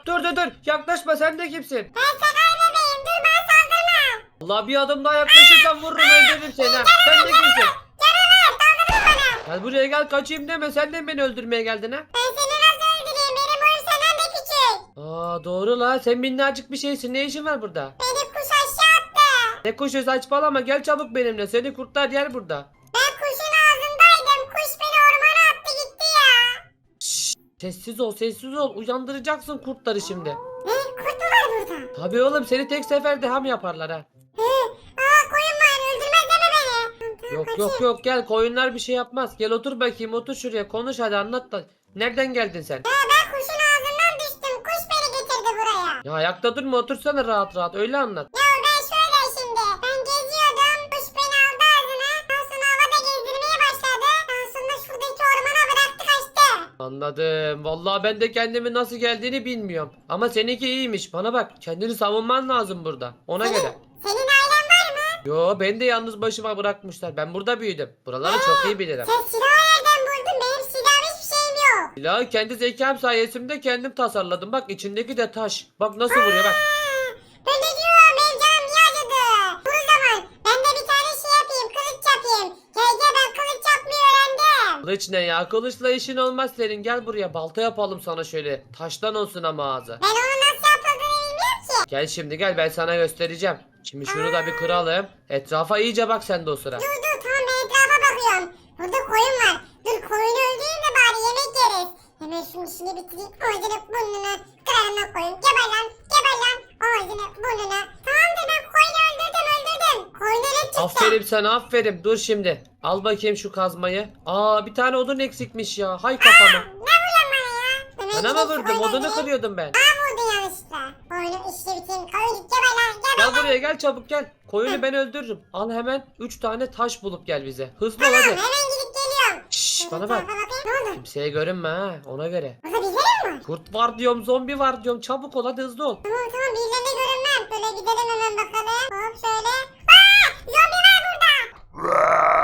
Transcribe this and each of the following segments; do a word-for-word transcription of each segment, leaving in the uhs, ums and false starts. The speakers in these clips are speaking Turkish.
Dur dur dur. Yaklaşma, sen de kimsin? Ben sakar bebeğim. Dur bana saldırma. Allah, bir adım daha yaklaşırsan vururum, öldürürüm seni. ha. Sen de kimsin? Canavar saldırma bana. Gel buraya, gel, kaçayım deme. Sen de mi beni öldürmeye geldin ha? Ben seni nasıl öldüreyim? Benim boyum senden de küçük. Aa, doğru la. Sen minnacık bir şeysin. Ne işin var burada? Beni kuş aşağı attı. Ne kuşu, saçmalama. Gel çabuk benimle. Seni kurtlar yer burada. Ben kuşun ağzındaydım. Kuş beni ormana attı gitti ya. Şşş. Sessiz ol, sessiz ol. Uyandıracaksın kurtları şimdi. Ne? Kurt mu var burada? Tabii oğlum, seni tek seferde ham yaparlar ha. Hı. Aa koyun var. Öldürmez deme beni. Tamam, tamam, Yok kaçayım. yok yok, gel, koyunlar bir şey yapmaz. Gel otur bakayım, otur şuraya, konuş hadi, anlat da. Nereden geldin sen? Ya ben kuşun ağzından düştüm. Kuş beni getirdi buraya. Ya ayakta durma, otursana rahat rahat, öyle anlat. Ya ben şöyle şimdi. Ben geziyordum. Kuş beni aldı ağzına. Daha sonra havada gezdirmeye başladı. Daha sonra şuradaki ormana bıraktı kaçtı. Anladım. Vallahi ben de kendimi nasıl geldiğini bilmiyorum. Ama seninki iyiymiş. Bana bak, kendini savunman lazım burada. Ona Senin, göre. senin ailen var mı? Yo, beni de yalnız başıma bırakmışlar. Ben burada büyüdüm. Buraları çok iyi bilirim. Sen silahı nereden buldun? Benim silahım hiçbir şeyim yok. Silahı kendi zekam sayesinde kendim tasarladım. Bak, içindeki de taş. Bak nasıl vuruyor bak. Aa, ben de diyorum benim canım niye acıdı? Dur o zaman ben de bir tane şey yapayım. Kılıç yapayım. Gel gel ben kılıç yapmayı öğrendim. Kılıç ne ya? Kılıçla işin olmaz senin. Gel buraya, balta yapalım sana şöyle. Taştan olsun ama ağzı. Ben onu nasıl yapıldığını bilmiyorum ki. Gel şimdi, gel, ben sana göstereceğim. Şimdi şunu da bir kıralım. Etrafa iyice bak sen de o sıra. Dur dur tamam ben etrafa bakıyorum. Burada koyun var. Dur koyunu öldüreyim de bari yemek yeriz. Hemen şunun işini bitireyim. Ağzını burnunu kırarına koyun. Geber lan geber lan. Ağzını burnunu. Tamamdır ben koyunu öldürdüm öldürdüm. Koyunu ne çıktı? Aferin sana, aferin. Dur şimdi. Al bakayım şu kazmayı. Aa, bir tane odun eksikmiş ya. Hay kafama. Ne vuruyorsun bana ya? Hemen Bana gidip mı şu vurdum? koyunu Odunu öldüreyim. kırıyordum ben. Bana vurdun yanlışlıkla. Koyunu işini bitireyim. Koyun git geber lan geber Gel lan. buraya, gel çabuk gel. Koyunu ben öldürürüm. Al hemen üç tane taş bulup gel bize. Hızlı ol Tamam hadi. hemen gidip geliyorum. Şşş, Şöyle bana bir bak. tarafa bakayım. Ne oldu? Kimseye görünme ha, ona göre. Burada birileri mi var? Kurt var diyorum, zombi var diyorum. Çabuk ol hadi, hızlı ol. Tamam tamam birilerine görünmem. Böyle gidelim hemen bakalım. Hop şöyle. Aa! Zombi var burada.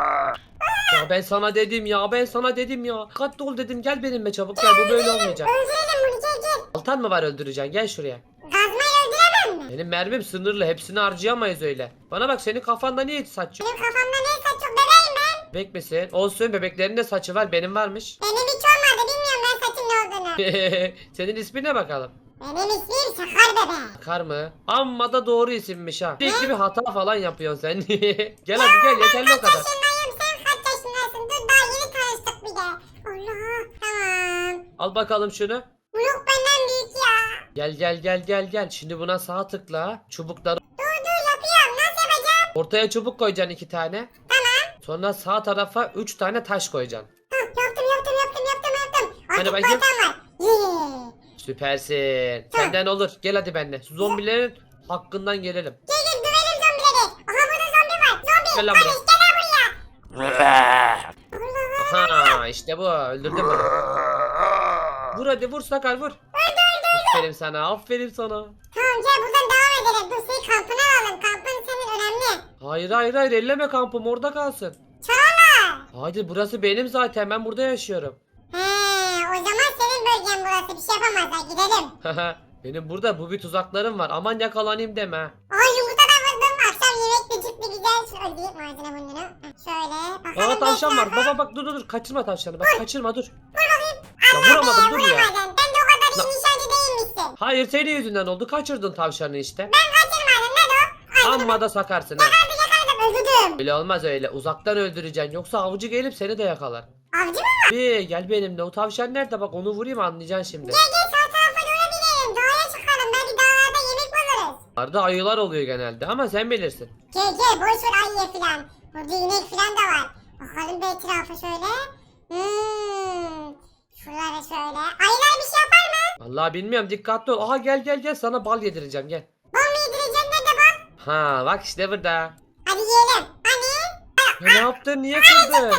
Ya ben sana dedim ya, ben sana dedim ya. Dikkatli ol dedim, gel benimle çabuk gel, bu böyle olmayacak. Öldürelim bunu gel gel. Baltan mı var öldüreceksin, gel şuraya. Gazmayla öldüremem mi? Benim mermim sınırlı, hepsini harcayamayız öyle. Bana bak, senin kafanda niye hiç saç yok? Benim kafamda ne saç yok bebeğim ben. Bebek misin? Olsun, bebeklerin de saçı var, benim varmış. Benim hiç olmadı bilmiyorum ben saçın ne olduğunu. Senin ismine bakalım. Benim ismim Sakar bebe. Kar mı? Amma da doğru isimmiş ha. Sürekli bir hata falan yapıyorsun sen. Gel hadi gel, yeterli o Kaç kadar. yaşındayım sen kaç yaşındasın? Dur daha yeni tanıştık bir de. Allah tamam. Al bakalım şunu. Bu yok benden büyük ya. Gel gel gel gel gel. Şimdi buna sağ tıkla. Çubukları Dur dur yapıyorum nasıl yapacağım? ortaya çubuk koyacaksın, iki tane. Tamam. Sonra sağ tarafa üç tane taş koyacaksın. Hah, yaptım yaptım yaptım yaptım yaptım. Hadi Artık bakayım. baltam var. Yeah. Süpersin. Senden olur. Gel hadi benimle. Zombilerin hakkından gelelim. Gel gel dövelim zombileri. Aha burada zombi var. Zombi. Gel lan Barış buraya. gel lan buraya. Allah. Ha, işte bu. Öldürdüm bunu. Vur hadi, vur Sakar, vur. Aferin sana, aferin sana. Tamam gel buradan devam edelim. Dur senin kampını alalım. Kampın senin önemli. Hayır hayır hayır, elleme kampım, orada kalsın. Çağla. Hayır, burası benim zaten, ben burada yaşıyorum. He o zaman senin bölgen burası. Bir şey yapamazlar gidelim. Benim burada bu bir tuzaklarım var, aman yakalanayım deme. Aa yumurta da vurdum. Akşam yemek gecikti güzel. Şu öldüreyim malzeme bunu. Şöyle bakalım. Aa, tavşan var, etrafa. baba bak, dur dur dur, kaçırma tavşanı, bak kaçırma, dur. Ya Allah vuramadım, be, dur ya. vuramadın. Ben de o kadar iyi nişancı değilmişsin. Hayır, senin yüzünden oldu, kaçırdın tavşanı işte. Ben kaçırmadım. Ne o? Ay, Amma da sakarsın ha. hadi yakaladım öldürdüm. Öyle olmaz öyle, uzaktan öldüreceksin, yoksa avcı gelip seni de yakalar. Avcı mı var? Bir gel benimle, o tavşan nerede, bak onu vurayım anlayacaksın şimdi. Gel gel sağ tarafa doğru gidelim. Dağa çıkalım. Belki dağlarda yemek buluruz. Arada ayılar oluyor genelde ama sen bilirsin. Gel gel boş ver ayıya filan. Burada inek filan da var. Bakalım bir etrafa şöyle. Hmm. Şuralara şöyle. Ayılar bir şey yapar mı? Vallahi bilmiyorum, dikkatli ol. Aha, gel gel gel, sana bal yedireceğim, gel. Bal mı yedireceğim nerede bal? Ha bak, işte burada. Hadi yiyelim. Hani? Ya ne yaptın, niye kırdın?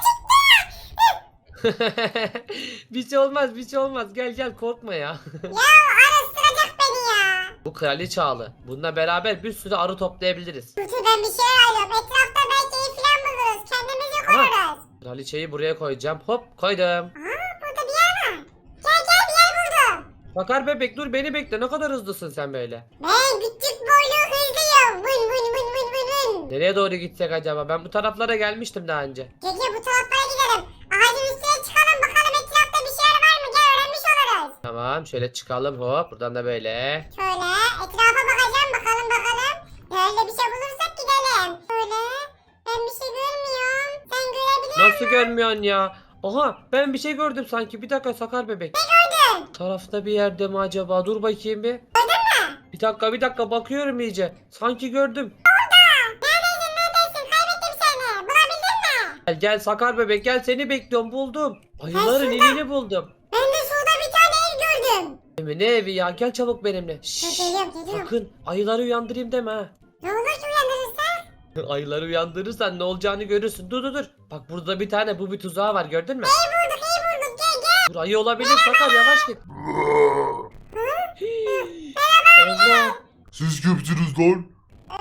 Bir şey olmaz, bir şey olmaz, gel gel, korkma ya. Ya arı ısıracak beni ya. Bu kraliçe ağlı. Bununla beraber bir sürü arı toplayabiliriz. Dur dur ben bir şeyler alıyorum. Etrafta belki iyi filan buluruz. Kendimizi koruruz. Kraliçeyi buraya koyacağım. Hop, koydum. Aa burada bir yer var. Gel gel bir yer buldum. Sakar bebek dur beni bekle. Ne kadar hızlısın sen böyle. Ben küçük boylu hızlıyım. Vın vın vın vın vın vın. Nereye doğru gitsek acaba? Ben bu taraflara gelmiştim daha önce. Gel gel bu taraflara gidelim. Ağacın üstüne çıkalım bakalım etrafta bir şeyler var mı? Gel öğrenmiş oluruz. Tamam şöyle çıkalım hop. Buradan da böyle. Şöyle etrafa bakacağım bakalım bakalım. Nerede bir şey bulursak gidelim. Şöyle ben bir şey görmüyorum. Sen görebiliyor Nasıl görmüyorsun ya? Aha ben bir şey gördüm sanki. Bir dakika Sakar bebek. musun? Tarafta bir yerde mi acaba? Dur bakayım bir. Gördün mü? Bir dakika bir dakika bakıyorum iyice. Sanki gördüm. Neredesin neredesin? Kaybettim seni. Bulabildin mi? Gel gel Sakar bebek gel seni bekliyorum buldum. Ayıların şurada. evini buldum. Ben de şurada bir tane ev gördüm. Evi ne evi ya? Gel çabuk benimle. Dur Şşş. geliyorum geliyorum. Sakın ayıları uyandırayım deme ha. Ne olur ki uyandırırsa? Ayıları uyandırırsan ne olacağını görürsün. Dur dur dur. Bak burada bir tane bu bir tuzağı var gördün mü? İyi bulduk iyi bulduk gel gel. Dur ayı olabilir Sakar yavaş git. Hii. Allah. Siz kimsiniz lan? Ee,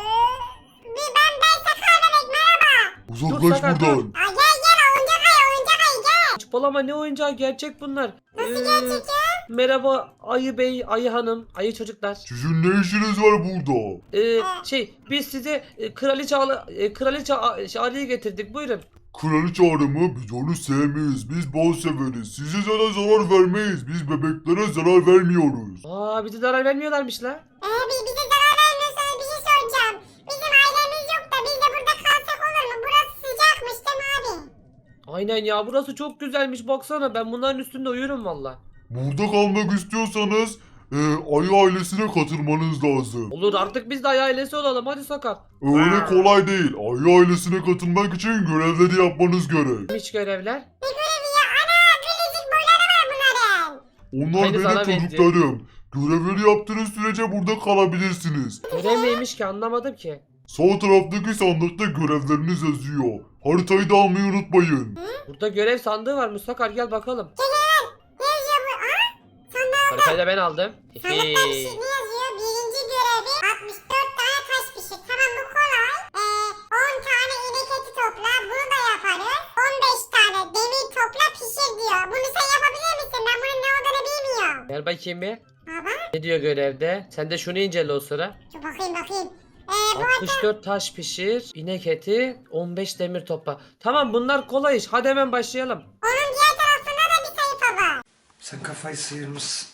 bir ben ben Sakar bebek merhaba. Uzaklaş Sakar, buradan. Aa, gel gel oyuncak ayı oyuncak ayı gel. Saçmalama ne oyuncağı gerçek bunlar. Nasıl Ee, gerçek ya? Merhaba ayı bey, ayı hanım, ayı çocuklar. Sizin ne işiniz var burada? Ee, şey biz size e, kraliçe alı, e, kraliçe a- şey, arıyı getirdik buyurun. Kraliçe arımı biz onu sevmeyiz. Biz bal severiz. Size zaten zarar vermeyiz. Biz bebeklere zarar vermiyoruz. Aa bize zarar vermiyorlarmış la. Ee, bi- bize zarar vermiyorsanız bir şey soracağım. Bizim ailemiz yok da biz de burada kalsak olur mu? Burası sıcakmış değil mi abi? Aynen ya burası çok güzelmiş baksana ben bunların üstünde uyurum valla. Burada kalmak istiyorsanız e, ayı ailesine katılmanız lazım. Olur artık biz de ayı ailesi olalım hadi Sakar. Öyle kolay değil. Ayı ailesine katılmak için görevleri yapmanız gerek. Hiç görevler. Ne görevi ya? Ana biricik boyları var bunların. Onlar Aynı sana benim benziyor. çocuklarım. Görevleri yaptığınız sürece burada kalabilirsiniz. Görev neymiş ki anlamadım ki. Sağ taraftaki sandıkta görevleriniz yazıyor. Haritayı da almayı unutmayın. Burada görev sandığı varmış Sakar gel bakalım. Gel gel. Ne yazıyor bu? Aa sandığa Haritayı da ben aldım. sandıkta bir şey ne yazıyor? Birinci görevi altmış dört tane taş pişir. Tamam bu kolay. Ee, on tane inek eti topla. Bunu da yaparız. on beş tane demir topla pişir diyor. Bunu sen yapabilir misin? Ben bunun ne olduğunu bilmiyorum. Gel bakayım bir. Baba Ne diyor görevde? Sen de şunu incele o sıra. dur bakayım bakayım. Ee, bu altmış dört taş pişir, inek eti, on beş demir topla. Tamam bunlar kolay iş. Hadi hemen başlayalım. onun diğer tarafında da bir sayfa var. Sen kafayı sıyırmışsın.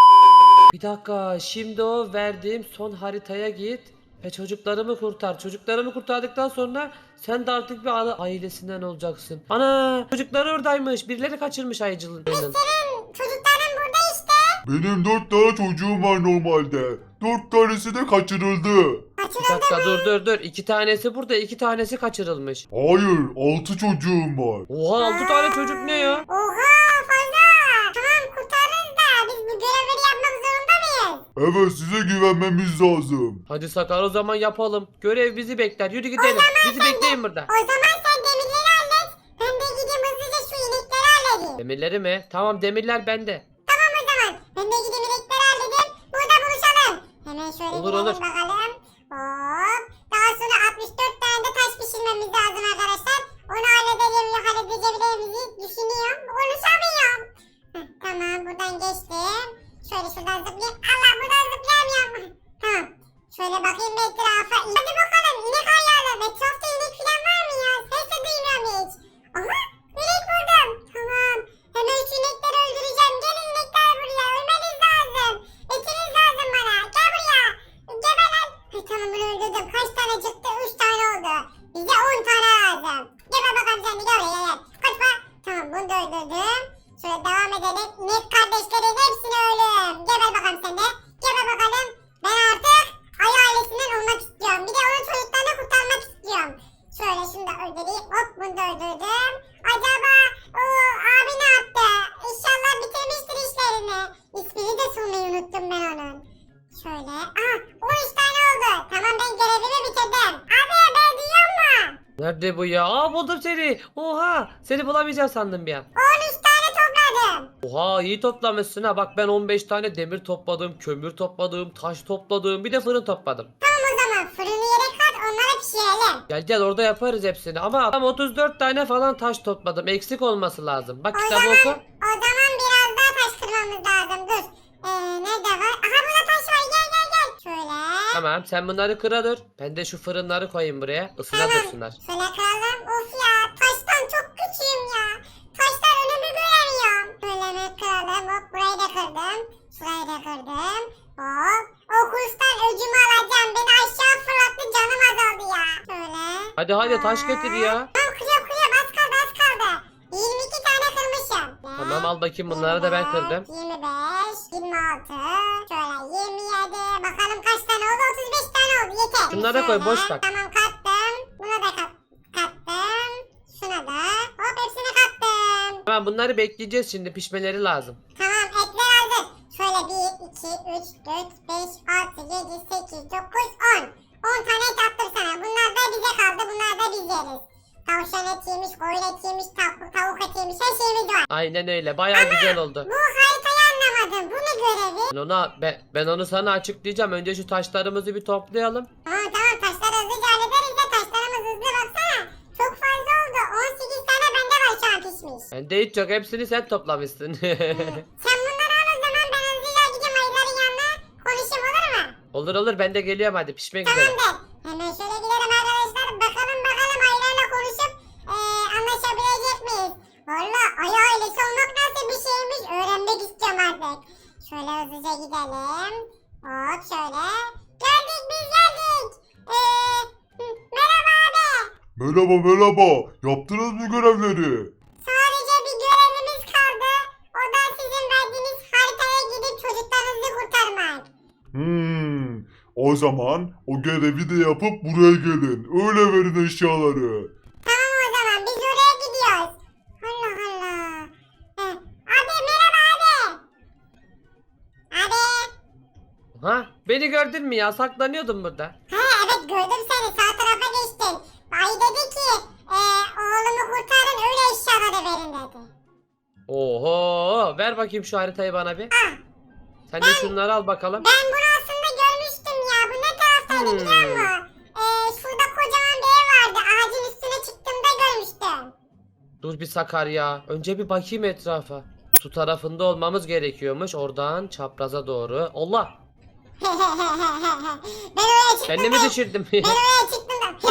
Bir dakika. Şimdi o verdiğim son haritaya git ve çocuklarımı kurtar. Çocuklarımı kurtardıktan sonra sen de artık bir aile- ailesinden olacaksın. Ana! Çocukları oradaymış. Birileri kaçırmış ayıcılığın. Senin çocukların burada işte. Benim dört tane çocuğum var normalde. Dört tanesi de kaçırıldı. Bir Kaçırıldı dakika mı? dur dur dur. İki tanesi burada, iki tanesi kaçırılmış. Hayır, altı çocuğum var. Oha altı tane çocuk ne ya? Oha fazla. Tamam kurtarırız da biz bu görevleri yapmak zorunda mıyız? Evet, size güvenmemiz lazım. Hadi Sakar o zaman yapalım. Görev bizi bekler. Yürü gidelim. Bizi bekleyin burada. O zaman sen demirleri hallet. Ben de gideyim hızlıca şu inekleri halledeyim. Demirleri mi? Tamam demirler bende. Tamam o zaman. Ben de gideyim inekleri halledeyim. Burada buluşalım. Hemen şöyle Olur, girelim olur. bakalım. Hop. Daha sonra altmış dört tane de taş pişirmemiz lazım arkadaşlar. Onu halledelim ya halledebileceğimizi düşünüyorum. Konuşamıyorum. Heh, tamam buradan geçtim. Şöyle şuradan zıplayayım. Allah buradan zıplayamıyorum. Tamam. Şöyle bakayım bir etrafa. Hadi bakalım inek ayarlı. Etrafta inek falan var mı ya? Ses de duymuyorum hiç. Aha inek buldum. Tamam. Hemen şu inekleri öldüreceğim. Gelin inekler buraya. Ölmeniz lazım. Etiniz lazım bana. Gel buraya. Geber lan. Ay, tamam bunu öldürdüm. Kaç tane çıktı? Üç tane oldu. Bize on tane lazım. Geber bakalım sen de gel buraya gel. Kaçma. Tamam bunu da öldürdüm. Şöyle devam edelim. İnek kardeşlerin hepsini öldüm. Geber bakalım sen de. Geber bakalım. Ben artık ayı ailesinden olmak istiyorum. Bir de onun çocuklarını kurtarmak istiyorum. Şöyle şunu da öldüreyim. Hop bunu da öldürdüm. Acaba o abi ne yaptı? İnşallah bitirmiştir işlerini. İsmini de sormayı unuttum ben onun. Şöyle. Aha on üç tane oldu. Tamam ben görevimi bitirdim. Abi ben duyuyor musun? Nerede bu ya? Aa buldum seni. Oha. Seni bulamayacağım sandım bir an. on üç tane topladım. Oha iyi toplamışsın ha. Bak ben on beş tane demir topladım, kömür topladım, taş topladım, bir de fırın topladım. Tamam o zaman fırını yere kat onları pişirelim. Gel gel orada yaparız hepsini ama tam otuz dört tane falan taş topladım. Eksik olması lazım. Bak O kitabı zaman, oku. o zaman biraz daha taş kırmamız lazım. Dur. Ee, Tamam sen bunları kıra dur. Ben de şu fırınları koyayım buraya. Isına Tamam. dursunlar. Şöyle kıralım. Of ya taştan çok küçüğüm ya. Taşlar önümü göremiyorum. Böyle mi kıralım? Hop burayı da kırdım. Şurayı da kırdım. Hop. O kurstan öcümü alacağım. Beni aşağı fırlattı canım azaldı ya. Şöyle. Hadi hadi taş getir ya. Tamam kırıyorum kırıyorum. Az kaldı az kaldı. yirmi iki tane kırmışım. Tamam al bakayım bunları da ben kırdım. yirmi beş, yirmi altı, şöyle yirmi yedi. Bakalım kaç tane oldu? otuz beş tane oldu. Yeter. Şunları da koy, Şöyle, boş bak. Tamam kattım. Buna da kat, kattım. Şuna da. Hop hepsini kattım. Tamam bunları bekleyeceğiz şimdi pişmeleri lazım. Tamam etler hazır. Şöyle bir, iki, üç, dört, beş, altı, yedi, sekiz, dokuz, on. on tane et attım sana. Bunlar da bize kaldı. Bunlar da biz yeriz. Tavşan et yemiş, koyun et yemiş, tavuk, tavuk et yemiş. Her şeyimiz var. Aynen öyle baya güzel oldu. Bu haritayı anlamadım. Bu ne görevi? Ben ona ben, ben onu sana açıklayacağım. Önce şu taşlarımızı bir toplayalım. Tamam tamam taşları hızlıca hallederiz de taşlarımız hızlı baksana. Çok fazla oldu. on sekiz tane bende var şu an pişmiş. Bende hiç yok hepsini sen toplamışsın. Sen bunları al o zaman ben hızlıca gideyim ayıların yanına. Konuşayım olur mu? olur olur ben de geliyorum hadi pişmek üzere. Tamamdır. Hemen şöyle gidelim arkadaşlar. Bakalım bakalım ayılarla konuşup eee, anlaşabilecek miyiz? Valla ayı ailesi olmak nasıl bir şeymiş öğrenmek istiyorum artık. Şöyle hızlıca gidelim. Hop şöyle. Geldik biz geldik. Eee, hı, merhaba abi. Merhaba merhaba. Yaptınız mı görevleri? Sadece bir görevimiz kaldı. O da sizin verdiğiniz haritaya gidip çocuklarınızı kurtarmak. Hmm. O zaman o görevi de yapıp buraya gelin. Öyle verin eşyaları. Tamam o zaman biz oraya gidiyoruz. Allah Allah. Heh. Abi merhaba abi. Abi. Ha beni gördün mü ya saklanıyordum burada. Ha evet gördüm seni sağ tarafa geçtin. Ay dedi ki e, oğlumu kurtarın öyle eşyaları verin dedi. Oho ver bakayım şu haritayı bana bir. Ah Sen de şunları al bakalım. ben bunu aslında görmüştüm ya. Bu ne taraftaydı Hmm. biliyor musun? E, şurada kocaman bir ev vardı. Ağacın üstüne çıktığımda görmüştüm. Dur bir Sakar ya. Önce bir bakayım etrafa. Su tarafında olmamız gerekiyormuş. Oradan çapraza doğru. Allah. ben oraya çıktım. Kendimi da- düşürdüm. Ben oraya çıktım da.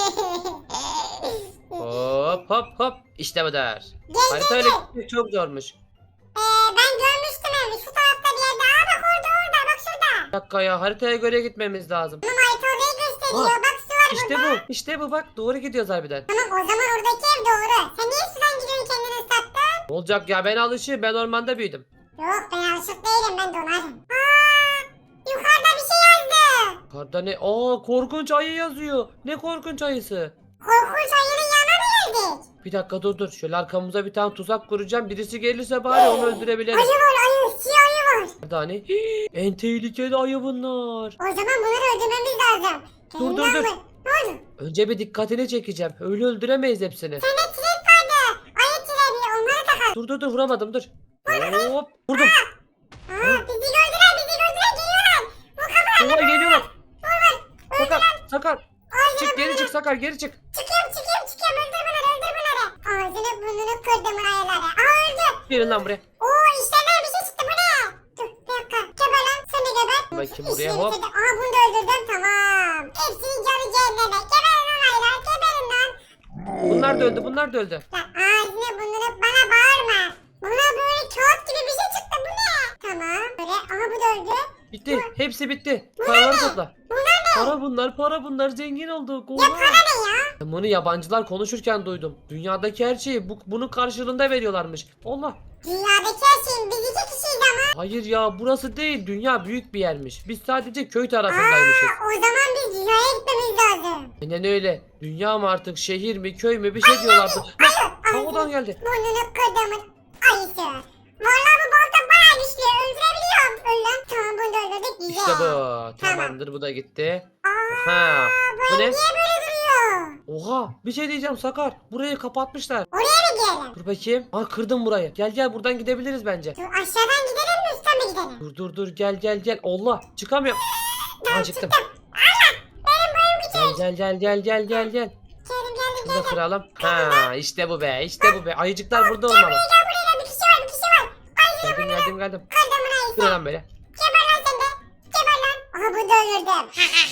hop hop hop. İşte bu der. Gel gel Haritayla gel. gitmek çok zormuş. Ee, ben görmüştüm evi şu tarafta bir yerde. Aa bak orada orada bak şurada. Bir dakika ya haritaya göre gitmemiz lazım. Tamam harita orayı gösteriyor. Aa, Bak su var İşte burada. bu. İşte bu bak doğru gidiyoruz harbiden. Tamam o zaman oradaki ev doğru. Sen niye sudan gidiyorsun kendini ıslattın? Ne olacak ya ben alışığım ben ormanda büyüdüm. Yok ben alışık değilim ben donarım. Aa, yukarıda bir şey yazdı. Karda ne? Aa korkunç ayı yazıyor. Ne korkunç ayısı? Korkunç ayının yanına mı geldik? Bir dakika dur dur. Şöyle arkamıza bir tane tuzak kuracağım. Birisi gelirse bari onu öldürebiliriz. Ayı var ayı. Siyah ayı var. Nerede hani? Hii, en tehlikeli ayı bunlar. O zaman bunları öldürmemiz lazım. Dur, dur, Kendinden dur. vur. Ne oldu? Önce bir dikkatini çekeceğim. Öyle öldüremeyiz hepsini. Sende tren vardı. Ayı treni onları takalım. Dur dur dur vuramadım dur. Hop vurdum. Aa, bizi gördüler bizi gördüler geliyorlar. Bu kapılar. Oha geliyorlar. Öldüler. Sakar Sakar. Çık geri çık Sakar geri çık. Çıkıyorum çıkıyorum çıkıyorum öldür bunları öldür bunları. Ağzını burnunu kırdım ayıları. Aa öldü. Gelin lan buraya. Oo işlerden bir şey çıktı bu ne? Dur bir dakika. Geber lan sen de geber. Bakayım buraya, İşini hop. bitirdim. Aa bunu da öldürdüm tamam. Hepsinin canı cehenneme. Geberin lan ayılar geberin lan. Bunlar da öldü bunlar da öldü. Lan ağzını burnunu bana bağırma. Buna böyle kağıt gibi bir şey çıktı bu ne? Tamam böyle aha bu da öldü. Bitti. Hepsi bitti. Paraları topla. Bunlar ne? Para bunlar para bunlar zengin olduk. Ya Oha. para ne ya? Ben bunu yabancılar konuşurken duydum. Dünyadaki her şeyi bu, bunun karşılığında veriyorlarmış. Allah. Dünyadaki her şeyin biz iki kişiyiz ama. Hayır ya burası değil. Dünya büyük bir yermiş. Biz sadece köy tarafındaymışız. Aa, o zaman biz dünyaya gitmemiz lazım. Aynen öyle. Dünya mı artık şehir mi köy mü bir şey diyorlardı. Ayı, Havadan geldi. Burnunu kırdımın ayısı. Vallahi bu balta bayağı güçlü. Öldürebiliyorum. Öl lan. Tamam bunu da öldürdük. Güzel. İşte bu. Tamamdır bu da gitti. Aa, Ha. bu Bu ev ne? niye böyle duruyor? Oha bir şey diyeceğim Sakar. Burayı kapatmışlar. Oraya mı gidelim? Dur bakayım. Aa kırdım burayı. Gel gel buradan gidebiliriz bence. Dur aşağıdan gidelim mi üstten mi gidelim? Dur dur dur gel gel gel. Allah çıkamıyorum. Aa çıktım. Benim boyum küçük. Gel gel gel gel gel gel gel. Geldim geldim Şunu da geldim. kıralım. Ha işte bu be işte bu be. Ayıcıklar burada olmalı. Gel buraya gel bir kişi var bir kişi var. Ayı Geldim geldim geldim. kırdımın ayısı. Bu ne lan böyle? Geber lan sen de. Geber lan. Aha burada öldürdüm.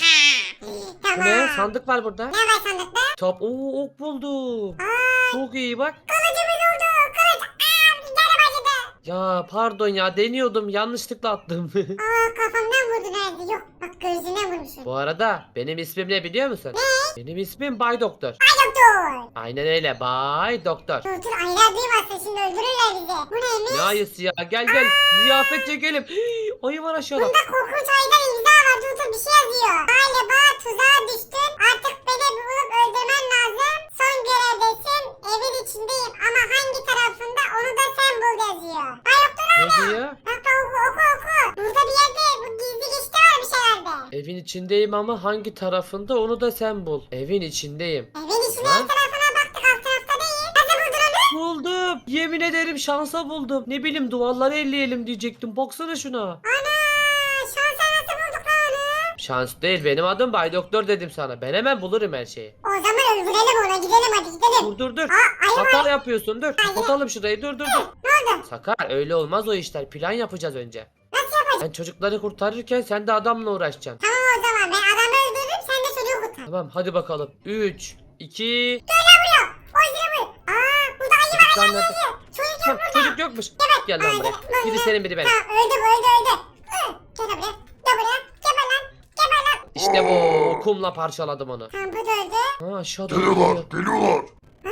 Bu Tamam. ne? Sandık var burada. Ne var sandıkta? Top. Oo, ok buldum. Aa, Çok iyi bak. kılıcımız oldu. Kılıç. Aa, canım acıdı. Ya pardon ya, deniyordum, yanlışlıkla attım. Aa, kafamdan vurdu nerede? Yok bak gözüne vurmuşum. Bu arada benim ismim ne biliyor musun? Ne? Benim ismim Bay Doktor. Ay doktor. Aynen öyle, Bay Doktor. Dur dur aylar duymasın şimdi öldürürler bizi. Bu neymiş? Ne ayısı ya, gel gel ziyafet çekelim. Hii, ayı var aşağıda. Bunda korkunç aydan imza var. Dur dur bir şey yazıyor. Galiba tuzağa düştün. Artık beni bulup öldürmen lazım. Son görevdesin. Evin içindeyim ama hangi tarafında onu da sen bul yazıyor. Ay doktor Ne abi. diyor? Bak bak oku oku oku. Burada bir yerde bu gizli geçti varmış herhalde. Evin içindeyim ama hangi tarafında onu da sen bul. Evin içindeyim. Evin içinde Ha? her tarafına baktık alt tarafta değil. Nasıl buldun onu? Buldum. Yemin ederim şansa buldum. Ne bileyim, duvarları elleyelim diyecektim. Baksana şuna. Ana şansa nasıl bulduk lan onu? Şans değil, benim adım Bay Doktor dedim sana. Ben hemen bulurum her şeyi. O zaman öldürelim ona gidelim hadi gidelim. Dur dur dur. Aa ayı var. Hata yapıyorsun, dur. Kapatalım şurayı, dur dur dur. Ne oldu? Sakar, öyle olmaz o işler. Plan yapacağız önce. Nasıl yapacağız? Ben çocukları kurtarırken sen de adamla uğraşacaksın. Tamam o zaman ben adamı öldürürüm sen de çocuğu kurtar. Tamam hadi bakalım. üç, iki... Gel buraya. O yüzden bu. Aa burada ayı var Çocuklar ayı nerede? var. Çocuk Hah, yok burada. çocuk yokmuş. Evet. Gel lan buraya. Biri senin biri benim. Tamam öldü bu öldü öldü. Hı, Gel buraya. Gel buraya. Geber lan. Geber lan. İşte bu. Kumla parçaladım onu. Tamam bu da öldü. Ha aşağıda Geliyorlar geliyor. geliyorlar.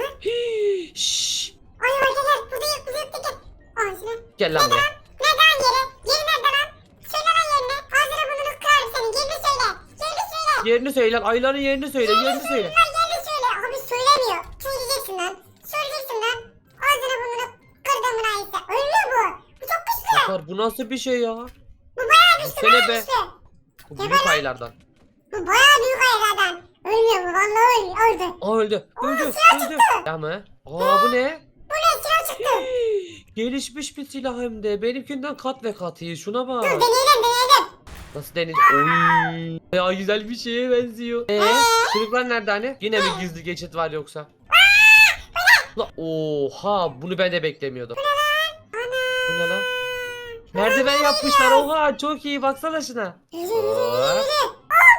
Hii, şşş. Ayı var gel gel. Burada yok burada yok gel. Ağzına. Gel lan buraya. Nerede lan yeri? Yeri nerede lan? Söyle lan yerini. Ağzına burnunu kırarım senin. Yerini söyle. Yerini söyle. Yerini söyle. Ayların yerini söyle. Yerini söyle. Lan yerini söyle. Abi söylemiyor. Söyleyeceksin lan. Söyleyeceksin lan. Ağzına burnunu kırdım lan ise. Ölmüyor bu. Bu çok güçlü. Sakar, bu nasıl bir şey ya? Bu bayağı güçlü Sene bayağı be. güçlü. Bu büyük aylardan. Bu bayağı büyük aylardan. Ölmüyor bu vallahi ölmüyor. Öldü. Aa öldü. Öldü. silah Öldü. çıktı. Ya mı? Aa bu ne? Bu ne silah çıktı. Gelişmiş bir silah hem de. Benimkinden kat ve kat iyi. Şuna bak. Dur deneyelim deneyelim. Nasıl denir? Oy. Ya güzel bir şeye benziyor. Eee? Çocuklar nerede hani? Yine mi gizli geçit var yoksa? La, oha, bunu ben de beklemiyordum. Bu ne lan? Merdiven yapmışlar. Oha, çok iyi, baksana şuna. Yürü yürü yürü Aa, yürü.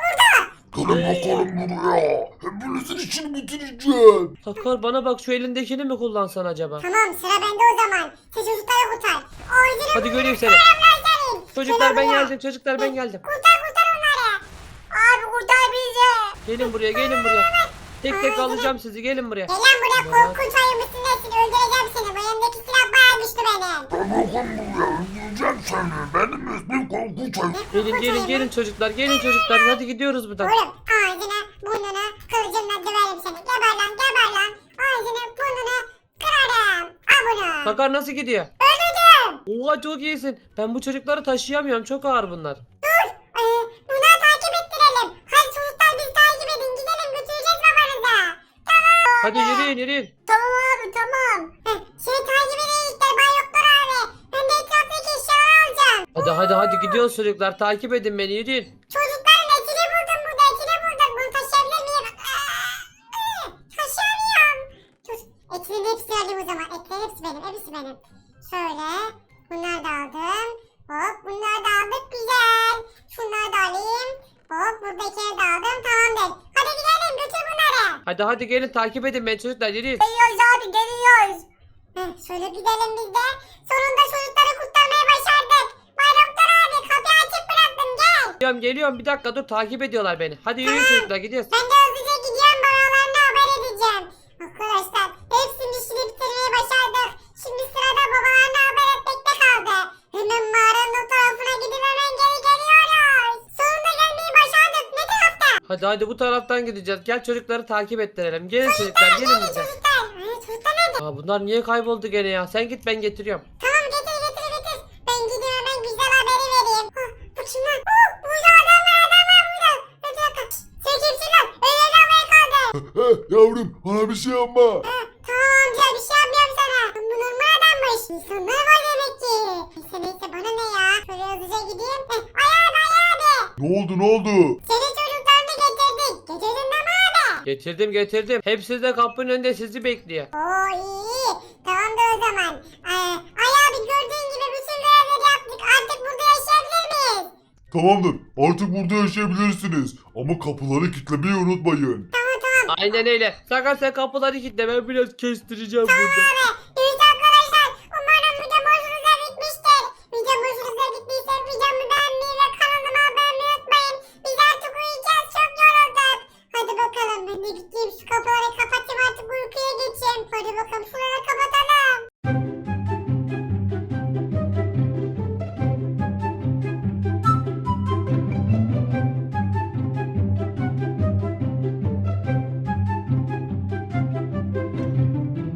Gelin bakalım buraya. Hepinizin işini bitireceğim. Sakar, bana bak, şu elindekini mi kullansan acaba? Tamam sıra bende o zaman. Sen çocukları kurtar. O yüzünü Hadi göreyim seni. kurtarın. Çocuklar ben Gel buraya. geldim. Çocuklar ben geldim. Kurtar kurtar onları. Abi kurtar bizi. Gelin buraya, gelin buraya. Tek tek alacağım sizi. Gelin buraya. Gel lan buraya korkunç ayı mısın nesin? Öldüreceğim seni. Bu elimdeki silah bayağı güçlü benim. Gel bakalım buraya öldüreceğim seni. Benim ismim Korkunç Ayı. Gelin gelin gelin çocuklar. Gelin çocuklar. Hadi gidiyoruz buradan. Oğlum ağzını burnunu kılıcımla döverim seni. Geber lan geber lan. Ağzını burnunu kırarım. Al bunu. Sakar nasıl gidiyor? Öldürdüm. Oha, çok iyisin. Ben bu çocukları taşıyamıyorum. Çok ağır bunlar. Dur. Ee, bunları takip ettirelim. Hadi çocuklar bizi takip edin. Gidelim götüreceğiz babanıza. Tamam. Hadi yürüyün yürüyün. Tamam abi tamam. Heh, seni takip edecekler Bay Doktor abi. Ben de etraftaki eşyaları alacağım. Hadi hadi hadi gidiyoruz çocuklar. Takip edin beni, yürüyün. Çocukların etini buldum burada. Etini buldum. Bunu taşıyabilir miyim? Aa, taşıyamıyorum. Dur. Etinin hepsini alayım o zaman. Etlerin hepsi benim. Hepsi benim. Şöyle. Bunları da aldım. Hop bunları da aldık. Güzel. Şunları da alayım. Hop buradakileri de aldım. Tamamdır. Hadi gidelim. Götür bunları. Hadi hadi gelin, takip edin beni çocuklar, yürüyün. Geliyoruz abi geliyoruz. Heh, şöyle gidelim biz de. Sonunda çocukları kurtarmayı başardık. Bay Doktor abi kapıyı açık bıraktım gel. Geliyorum geliyorum, bir dakika dur, takip ediyorlar beni. Hadi yürüyün çocuklar, gidiyoruz. Ben de hızlıca gidiyorum babalarına haber edeceğim. Arkadaşlar hepsinin işini bitirmeyi başardık. Şimdi sırada babalarına haber etmekte kaldı. Hemen mağaranın o tarafına gidip hemen geri geliyoruz. Sonunda gelmeyi başardık. Ne tarafta? Hadi hadi bu taraftan gideceğiz. Gel çocukları takip ettirelim. Gelin çocuklar, gelin bize. Çocuklar. Ay, çocuklar nerede? Aa, bunlar niye kayboldu gene ya? Sen git, ben getiriyorum. Tamam getir getir getir. Ben gideyim hemen güzel haberi vereyim. Hah, bu kim lan? Oh, burada adam var adam var burada. Bir dakika. Sen kimsin lan? Öyle havaya kaldı. Heh, yavrum bana bir şey yapma. Ha, tamam amca bir şey yapmıyorum sana. Bu normal adammış. İnsanlar var demek ki. Neyse neyse bana ne ya. Şöyle hızlıca gideyim. Heh, ay abi ay abi. Ne oldu ne oldu? Senin çocuklarını getirdik. Getirdin değil mi abi? Getirdim getirdim. Hepsi de kapının önünde sizi bekliyor. Oo iyi. Tamam da o zaman. Ay, ay abi gördüğün gibi bütün görevleri yaptık. Artık burada yaşayabilir miyiz? Tamamdır. Artık burada yaşayabilirsiniz. Ama kapıları kilitlemeyi unutmayın. Aynen öyle. Sakar sen kapıları kilitle, ben biraz kestireceğim burada.